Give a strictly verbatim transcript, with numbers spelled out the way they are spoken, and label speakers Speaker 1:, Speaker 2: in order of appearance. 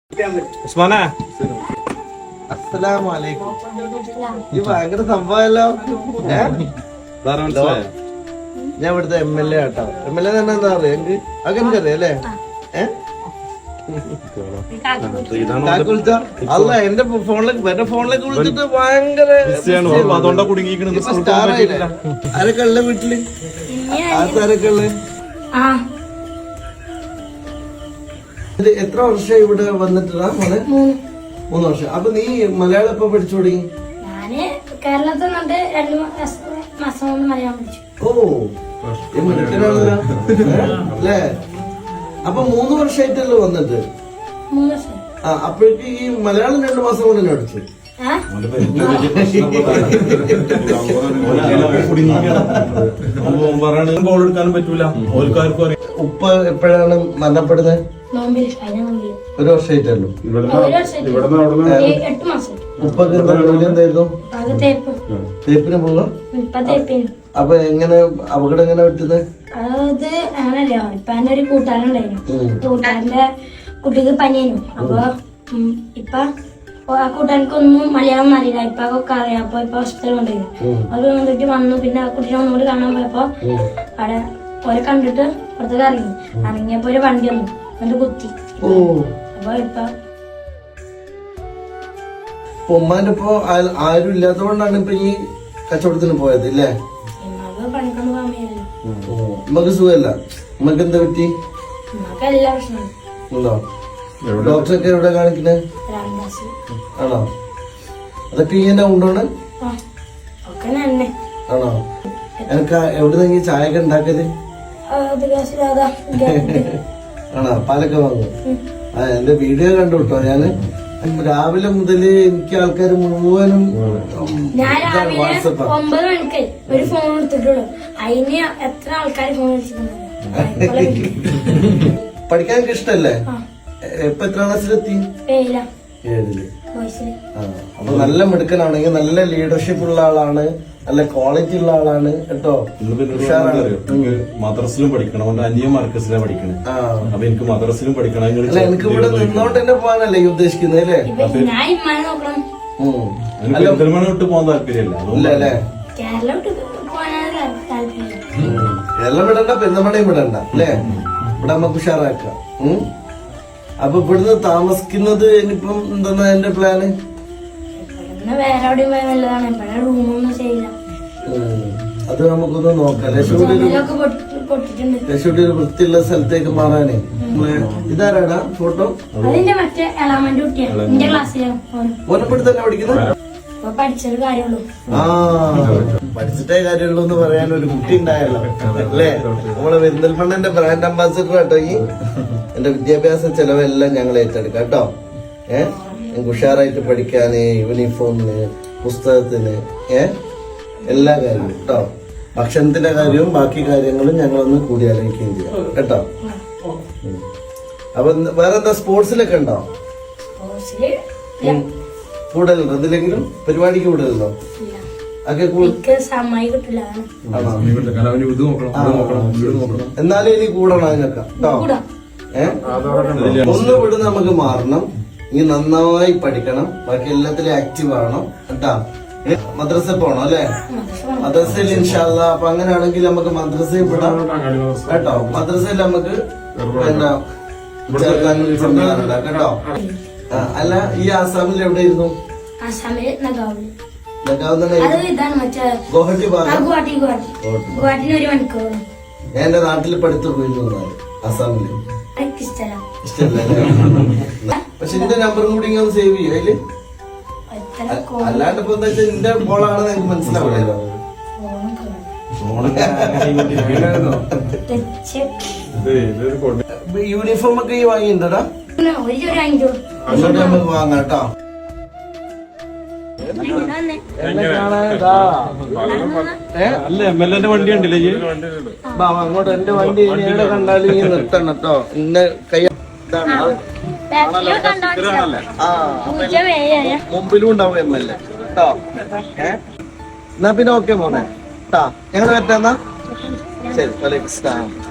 Speaker 1: അസ്സലാമലൈക്കും. ഈ ഭയങ്കര സംഭവമല്ലോ. ഞാൻ ഇവിടുത്തെ എം എൽ എ ആട്ടോ. എം എൽ എ തന്നെ എന്താ പറയാ എനിക്ക് അങ്ങനെ അറിയാം അല്ലേ? ഏഹ് അല്ല എന്റെ ഫോണിലേക്ക് എന്റെ ഫോണിലേക്ക് വിളിച്ചിട്ട് ഭയങ്കര ആരൊക്കെ ഉള്ള വീട്ടില് ആരൊക്കെ ഉള്ള എത്ര വർഷം ഇവിടെ വന്നിട്ടാ മോനെ? മൂന്ന് വർഷം. അപ്പൊ നീ മലയാളം എപ്പോ പഠിച്ചു തുടങ്ങി?
Speaker 2: കേരളത്തിൽ നിന്നിട്ട് രണ്ടു മാസം കൊണ്ട് മലയാളം പഠിച്ചു.
Speaker 1: ഓ മിടുക്കനാണല്ലോ അല്ലേ? അപ്പൊ മൂന്ന് വർഷമായിട്ടല്ലോ വന്നിട്ട്?
Speaker 2: മൂന്ന് വർഷം.
Speaker 1: ആ അപ്പോഴേക്ക് ഈ മലയാളം രണ്ടു മാസം കൊണ്ട് തന്നെ പഠിച്ചു. ഉപ്പ എപ്പോഴാണ് മരണപ്പെടുന്നത്? ഒരു വർഷമായിട്ടല്ലോ. ഉപ്പൊക്കെ എന്താ ജോലി എന്തായിരുന്നു? തേപ്പിന് പോകാം. അപ്പൊ എങ്ങനെ അപകടം എങ്ങനെ പറ്റുന്നത്?
Speaker 2: അത് അങ്ങനല്ലോ. ഇപ്പൊ എന്റെ ഒരു കൂട്ടുകാരുണ്ടായിരുന്നു. കൂട്ടുകാരന്റെ കുട്ടിക്ക് പനിയായിരുന്നു. അപ്പൊ ഇപ്പൊ ആ കൂട്ടുകാർക്കൊന്നും മലയാളം അറിയില്ല. ഇപ്പൊ ഒക്കെ അറിയാം. അപ്പൊ ഇപ്പൊ ഹോസ്പിറ്റലിൽ കൊണ്ടുപോയിരുന്നു. അത് വന്നിട്ട് വന്നു. പിന്നെ ആ കുട്ടീനെ ഒന്നുകൂടി കാണാൻ പോയപ്പോ അവിടെ ഓരെ കണ്ടിട്ട് പുറത്തേക്ക് ഇറങ്ങി. ഇറങ്ങിയപ്പോ ഒരു വണ്ടി വന്നു. എന്നിട്ട് കുത്തി. അപ്പൊ ഇപ്പൊ
Speaker 1: ഉമ്മാന്റെ ഇപ്പൊ ആരും ഇല്ലാത്തതുകൊണ്ടാണ് ഇപ്പൊ ഈ കച്ചവടത്തിന് പോയത് ഇല്ലേ?
Speaker 2: പണിക്കൊന്നും പോകാൻ വയ്യല്ലോ.
Speaker 1: ഉമ്മക്ക് സുഖമല്ല. ഉമ്മക്ക് എന്താ പറ്റി?
Speaker 2: ഉമ്മക്ക് എല്ലാ പ്രശ്നമാണ്.
Speaker 1: ഉണ്ടോ? ഡോക്ടറൊക്കെ എവിടെ കാണിക്കുന്നത്? ആണോ? അതൊക്കെ ഇങ്ങനെ ഉണ്ടോണ്? ആണോ? എനിക്ക് എവിടെ നിന്ന് ചായ ഒക്കെ ഉണ്ടാക്കിയത്? ആണോ? പാലൊക്കെ വാങ്ങും. ആ എന്റെ വീഡിയോ കണ്ടു കേട്ടോ. ഞാന് രാവിലെ മുതല് എനിക്ക് ആൾക്കാർ മുഴുവനും വാട്സപ്പ്
Speaker 2: ഒമ്പത് മണിക്ക് ഒരു ഫോൺ എടുത്തിട്ടുള്ളൂ. അതിന് എത്ര ആൾക്കാർ ഫോൺ വിളിച്ചിട്ടുണ്ടായിരുന്നു.
Speaker 1: പഠിക്കാൻ എനിക്ക് ഇഷ്ടല്ലേ? ഇപ്പൊ എത്ര ക്ലാസ്സിലെത്തി? ഏഴില്. അപ്പൊ നല്ല മിടുക്കനാണെങ്കിൽ നല്ല ലീഡർഷിപ്പ് ഉള്ള ആളാണ്, നല്ല ക്വാളിറ്റി ഉള്ള ആളാണ് കേട്ടോ.
Speaker 3: മദ്രസിലും പഠിക്കണം. അവന്റെ അന്യ മാർക്കസിലാണ് പഠിക്കണേ. അപ്പൊ എനിക്ക് മദ്രസിലും പഠിക്കണം.
Speaker 1: എനിക്ക് ഇവിടെ നിന്നോണ്ട് തന്നെ പോകാനല്ലേ ഈ ഉദ്ദേശിക്കുന്നത് അല്ലേ?
Speaker 3: പെരുന്തൽമണ്ണ വിട്ട് പോകാൻ താല്പര്യമില്ല
Speaker 1: അല്ലേ? കേരളം വിടണ്ട, പെരുന്തൽമണ്ണയും വിടണ്ട അല്ലേ? ഇവിടെ നമുക്ക് ഉഷാറാക്കാം. അപ്പൊ ഇവിടുന്ന് താമസിക്കുന്നത് ഇനിയിപ്പം എന്താ എന്റെ പ്ലാന്?
Speaker 2: വേറെ എവിടെയും പോയാൽ നല്ലതാണ്. ഇവിടെ റൂമൊന്നും ചെയ്യില്ല.
Speaker 1: അത് നമുക്കൊന്ന് നോക്കാം. ലക്ഷ്മി ഒരു വൃത്തിയുള്ള സ്ഥലത്തേക്ക് മാറാനേ. ഇതാരാടാ ഫോട്ടോ?
Speaker 2: അതിന്റെ മറ്റേ എളാമന്റെ കുട്ടിയാണ്. എന്റെ ക്ലാസ്സിലാണ്.
Speaker 1: ഓനപ്പെടുത്ത് തന്നെ പഠിക്കുന്നത്?
Speaker 2: പഠിച്ചൊരു കാര്യമുള്ളൂ.
Speaker 1: ആ പഠിച്ചിട്ടേ കാര്യമുള്ളൂ എന്ന് പറയാൻ ഒരു കുട്ടി ഉണ്ടായല്ലോ അല്ലേ? നമ്മളെ പെരിന്തൽമണ്ണന്റെ ബ്രാൻഡ് അംബാസിഡർ കേട്ടോ. ഈ എന്റെ വിദ്യാഭ്യാസ ചെലവെല്ലാം ഞങ്ങൾ ഏറ്റെടുക്കാം കേട്ടോ. ഏഹ് എനിക്ക് ഉഷാറായിട്ട് പഠിക്കാന്, യൂണിഫോമിന്, പുസ്തകത്തിന്, ഏഹ് എല്ലാ കാര്യവും കേട്ടോ. ഭക്ഷണത്തിന്റെ കാര്യവും ബാക്കി കാര്യങ്ങളും ഞങ്ങളൊന്ന് കൂടി ആലോചിക്കുകയും ചെയ്യാം കേട്ടോ. അപ്പൊ വേറെന്താ സ്പോർട്സിലൊക്കെ ഉണ്ടോ? കൂടുതലുണ്ടോ? എന്തിലെങ്കിലും പരിപാടിക്ക് കൂടുതലുണ്ടോ? എന്നാലും ഇനി കൂടണം അതിനൊക്കെ കേട്ടോ. ഏഹ് ഒന്ന് വിടുന്ന നമുക്ക് മാറണം. ഇനി നന്നായി പഠിക്കണം. ബാക്കി എല്ലാത്തിലും ആക്റ്റീവ് ആവണം കേട്ടാ. മദ്രസ പോണം അല്ലെ? മദ്രസയിൽ ഇൻഷാല്ല. അപ്പൊ അങ്ങനെയാണെങ്കിൽ നമുക്ക് മദ്രസയിൽ വിടാം കേട്ടോ. മദ്രസയിൽ നമുക്ക് എന്താ ചേർക്കാൻ കേട്ടോ. അല്ല ഈ ആസാമിൽ എവിടെയിരുന്നു? ഗുവാഹട്ടി ഭാഗം. ഞാൻ എന്റെ നാട്ടിൽ പഠിത്തു പോയിരുന്നു ആസാമില്. പക്ഷെ എന്റെ നമ്പറും കൂടി ഇങ്ങനെ സേവ് ചെയ്യും അതില്. അല്ലാണ്ട് ഇപ്പൊ എന്താ വെച്ചാൽ എന്റെ ബോളാണെന്ന് എനിക്ക് മനസ്സിലാവില്ലല്ലോ. യൂണിഫോം ഒക്കെ ഈ വാങ്ങിയിട്ടുണ്ടോടാ? നമുക്ക് വാങ്ങാം കേട്ടോ.
Speaker 3: അല്ല എം എൽ എന്റെ വണ്ടി ഉണ്ടല്ലേ?
Speaker 1: അങ്ങോട്ട് എന്റെ വണ്ടി എവിടെ കണ്ടാലും ഈ നിർത്തണം കേട്ടോ. ഇന്ന കൈ മുമ്പിലും ഉണ്ടാവും എം എൽ എ കേട്ടോ. ഏഹ് എന്നാ പിന്നെ ഓക്കെ മോനെ കേട്ടാ. ഞങ്ങൾ പറ്റാന്നാ ശരി. വലൈക്കും സ്ലാം.